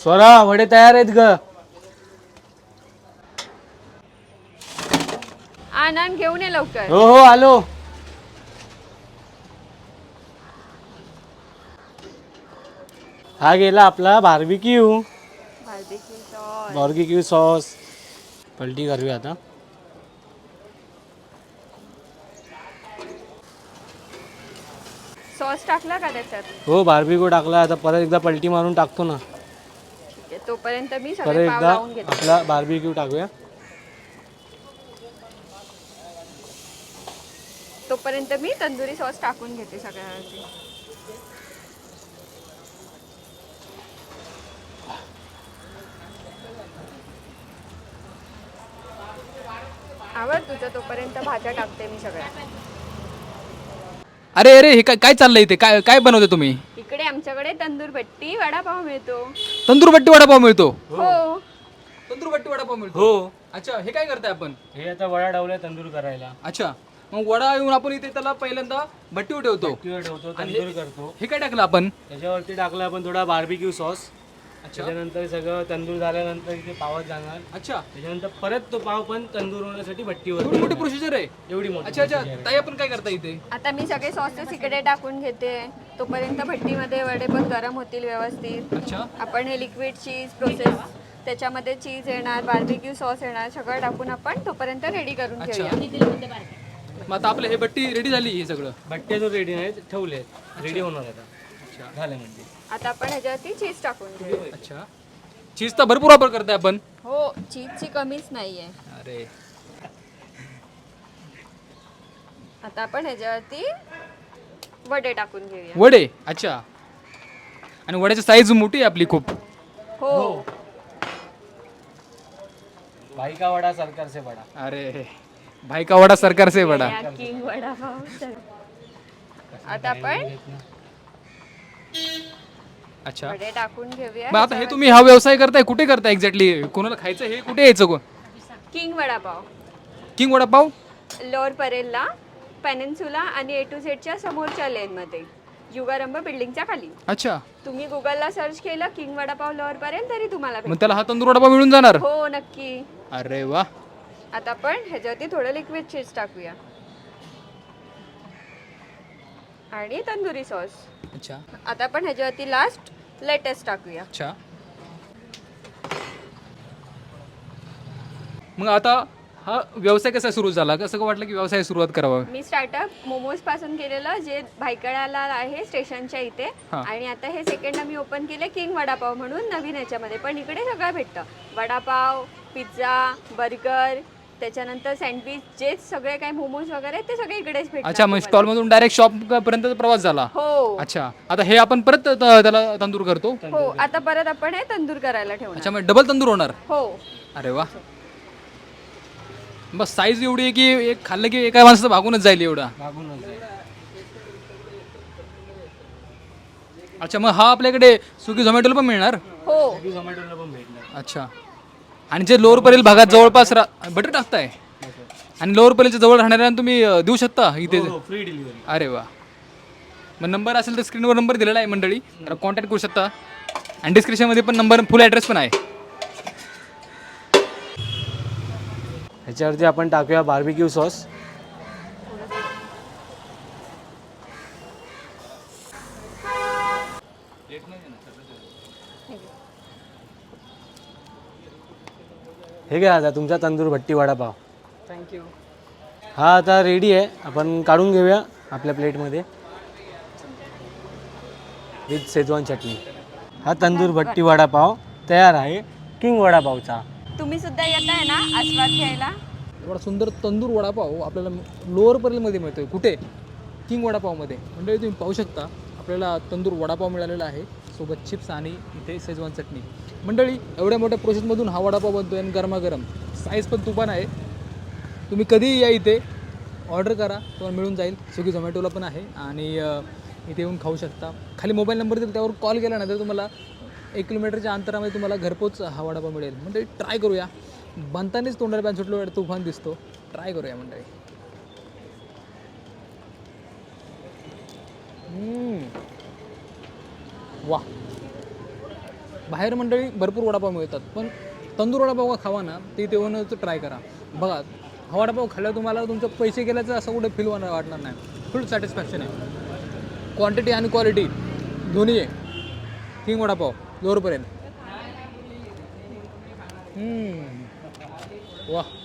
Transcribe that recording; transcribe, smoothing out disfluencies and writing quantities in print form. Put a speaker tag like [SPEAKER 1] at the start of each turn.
[SPEAKER 1] स्वरा वडे तयार आहेत ग.
[SPEAKER 2] आनंद घेऊन ये लवकर.
[SPEAKER 1] हो हो आलो. हा गेला आपला बार्बिक्यू. Barbecue sauce. पलटी करूया आता.
[SPEAKER 2] सॉस टाकला का त्याच्यात?
[SPEAKER 1] हो बार्बिक्यू टाकला. आता परत एकदा पलटी मारून टाकतो ना.
[SPEAKER 2] ठीक आहे, तोपर्यंत मी
[SPEAKER 1] परत
[SPEAKER 2] सगळे पाव
[SPEAKER 1] एकदा
[SPEAKER 2] लावून घेते.
[SPEAKER 1] आपला बार्बिक्यू टाकूया.
[SPEAKER 2] तोपर्यंत मी तंदुरी सॉस टाकून घेते सगळ्यावरती. आवड तुझं, तोपर्यंत भाज्या टाकते मी सगळ्या.
[SPEAKER 3] अरे अरे हे काय काय चाललंय इथे? काय काय बनवते तुम्ही?
[SPEAKER 2] इकडे आमच्याकडे तंदूर भट्टी वडापाव मिळतो.
[SPEAKER 3] तंदूर भट्टी वडापाव मिळतो?
[SPEAKER 2] हो.
[SPEAKER 3] तंदूर भट्टी वडापाव मिळतो?
[SPEAKER 1] हो.
[SPEAKER 3] अच्छा, हे काय करताय आपण?
[SPEAKER 1] हे आता वडा डावलाय तंदूर करायला.
[SPEAKER 3] अच्छा, मग वडा येऊन आपण इथे त्याला पहिल्यांदा भट्टीवर ठेवतो.
[SPEAKER 1] ठेवतो तंदूर करतो.
[SPEAKER 3] हे काय टाकलं आपण?
[SPEAKER 1] त्याच्यावरती टाकलं आपण थोडा बार्बिक्यू सॉस.
[SPEAKER 3] अच्छा
[SPEAKER 1] त्याच्यानंतर सगळं तंदूर झाल्यानंतर इथे पावात जाणार.
[SPEAKER 3] अच्छा,
[SPEAKER 1] त्याच्यानंतर परत तो पाव पण तंदूर होण्यासाठी भट्टीवर.
[SPEAKER 3] एवढी मोठी प्रोसिजर आहे?
[SPEAKER 1] एवढी मोठी.
[SPEAKER 3] अच्छा अच्छा, ताई आपण काय करता इथे?
[SPEAKER 2] आता मी सगळे सॉसेस इकडे टाकून घेते. तोपर्यंत भट्टीमध्ये वडे पण गरम होतील व्यवस्थित.
[SPEAKER 3] अच्छा,
[SPEAKER 2] आपण हे लिक्विड चीज प्रोसेस, त्याच्यामध्ये चीज येणार, बार्बिक्यू सॉस येणार, सगळं टाकून आपण तोपर्यंत रेडी करून
[SPEAKER 3] अच्छा.
[SPEAKER 2] ठेवूया.
[SPEAKER 3] मग आता आपलं हे भट्टी रेडी झाली हे सगळं?
[SPEAKER 1] भट्टे जो रेडी नाही ठेवले, रेडी होणार आता.
[SPEAKER 3] अच्छा
[SPEAKER 1] झालं म्हणजे.
[SPEAKER 2] आता आपण ह्याच्यावरती चीज टाकून घेऊ.
[SPEAKER 3] अच्छा, चीजचा भरपूर वापर करताय आपण?
[SPEAKER 2] हो, चीजची कमीच नाहीये.
[SPEAKER 3] अरे
[SPEAKER 2] आता आपण ह्याच्यावरती वडे टाकून घेऊया.
[SPEAKER 3] वडे? अच्छा, आणि वड्याची साईज मोठी आहे आपली खूप.
[SPEAKER 2] हो.
[SPEAKER 1] भाई का वडा सरकार से बडा.
[SPEAKER 3] अरे भाई का वडा सरकार से बडा.
[SPEAKER 2] या किंग वडापाव. आता आपण
[SPEAKER 3] अच्छा,
[SPEAKER 2] वडे टाकून घेऊया.
[SPEAKER 3] मग आता हे तुम्ही हा व्यवसाय करताय, कुठे करताय एक्झॅक्टली? कोणाला खायचं हे कुठे यायचं? कोण?
[SPEAKER 2] King vada pav,
[SPEAKER 3] king vada pav?
[SPEAKER 2] Lower परेलला, पेनिन्सुला आणि A to Z च्या समोरच्या लेनमध्ये, युगारंभ बिल्डिंगच्या खाली.
[SPEAKER 3] अच्छा,
[SPEAKER 2] तुम्ही गुगलला सर्च केलं किंग वडापाव लोअर परेल तरी तुम्हाला
[SPEAKER 3] मग
[SPEAKER 2] भेटेल.
[SPEAKER 3] त्याला हा तंदूर वडापाव मिळून जाणार?
[SPEAKER 2] हो नक्की.
[SPEAKER 3] अरे वा.
[SPEAKER 2] आता आपण ह्याच्यावरती थोडं लिक्विड चीज टाकूया आणि तंदुरी सॉस.
[SPEAKER 3] अच्छा
[SPEAKER 2] आता आपण ह्याच्यावरती लास्ट लेटेस्ट टाकूया.
[SPEAKER 3] अच्छा, मग आता हा व्यवसाय कसा सुरू झाला? कसं वाटलं की व्यवसाय सुरुवात करावा?
[SPEAKER 2] मी स्टार्टअप मोमोज पासून केलेलं, जे भायखळ्याला आहे स्टेशनच्या इथे.
[SPEAKER 3] हा.
[SPEAKER 2] आणि आता हे सेकंड आम्ही ओपन केले किंग वडापाव म्हणून नवीन ह्याच्यामध्ये. पण इकडे सगळं भेटतं, वडापाव, पिझ्झा, बर्गर, त्याच्यानंतर सँडविच, जे सगळे काही मोमोज वगैरे ते सगळे इकडेच भेटतात.
[SPEAKER 3] अच्छा, मग स्टॉल मधून डायरेक्ट शॉप पर्यंत प्रवास झाला?
[SPEAKER 2] हो
[SPEAKER 3] अच्छा, आता हे आपण परत त्याला तंदूर करतो?
[SPEAKER 2] हो. आता परत आपण हे तंदूर करायला ठेवणार.
[SPEAKER 3] अच्छा, मग डबल तंदूर होणार?
[SPEAKER 2] हो.
[SPEAKER 3] अरे वा. बस साईज एवढी आहे की एक खाल्लं की एका माणसाचं भागूनच जाईल एवढा.
[SPEAKER 1] मागूनच जाईल.
[SPEAKER 3] अच्छा, मग हा आपल्याकडे स्विगी झोमॅटोला पण मिळणार?
[SPEAKER 2] हो.
[SPEAKER 1] झोमॅटोला पण भेटणार.
[SPEAKER 3] अच्छा, आणि जे लोअर परेल भागात जवळपास बटर टाकताय आणि लोअर परेलच्या जवळ राहणाऱ्यांना तुम्ही देऊ शकता इथे?
[SPEAKER 1] Free delivery.
[SPEAKER 3] अरे वा. मग नंबर असेल तर स्क्रीनवर नंबर दिलेला आहे मंडळी, तर कॉन्टॅक्ट करू शकता. आणि डिस्क्रिप्शनमध्ये पण नंबर, फुल ॲड्रेस पण आहे.
[SPEAKER 1] ह्याच्यावरती आपण टाकूया बार्बिक्यू सॉस. हे घ्या आता तुमचा तंदूर भट्टी वडापाव.
[SPEAKER 2] थँक्यू.
[SPEAKER 1] हा आता रेडी आहे, आपण काढून घेऊया आपल्या प्लेटमध्ये विथ शेजवान चटणी. हा तंदूर भट्टी वडापाव तयार आहे किंग वडापावचा.
[SPEAKER 2] तुम्ही सुद्धा येत आहे ना आस्वाद घ्यायला?
[SPEAKER 3] एवढा सुंदर तंदूर वडापाव आपल्याला लोअर परेलमध्ये मिळतोय. कुठे? किंग वडापावमध्ये. मंडळी तुम्ही पाहू शकता, आपल्याला तंदूर वडापाव मिळालेला आहे, सोबत चिप्स आणि इथे शेजवान चटणी. मंडळी, एवढ्या मोठ्या प्रोसेसमधून हा वडापाव बनतो आहे आणि गरमागरम. साईज पण तुफान आहे. तुम्ही कधीही या इथे, ऑर्डर करा, तुम्हाला मिळून जाईल. स्विगी झोमॅटोला पण आहे आणि इथे येऊन खाऊ शकता. खाली मोबाईल नंबर देईल, त्यावर कॉल केला ना तर तुम्हाला 1 किलोमीटरच्या अंतरामध्ये तुम्हाला घरपोच हा वडापाव मिळेल. म्हणजे ट्राय करूया. बनतानाच तोंडाला पॅन सुटलो, तुफान दिसतो. ट्राय करूया मंडळी. वा, बाहेर मंडळी भरपूर वडापाव मिळतात, पण तंदूर वडापाव खावा ना, ते इथे येऊनच ट्राय करा. बघा हा वडापाव खाल्ल्यावर तुम्हाला तुमचे पैसे गेल्याचं असं कुठे फील वाटणार नाही. फुल सॅटिस्फॅक्शन आहे. क्वांटिटी आणि क्वालिटी दोन्ही आहे. किंग वडापाव लोअरपर्यंत. वाह.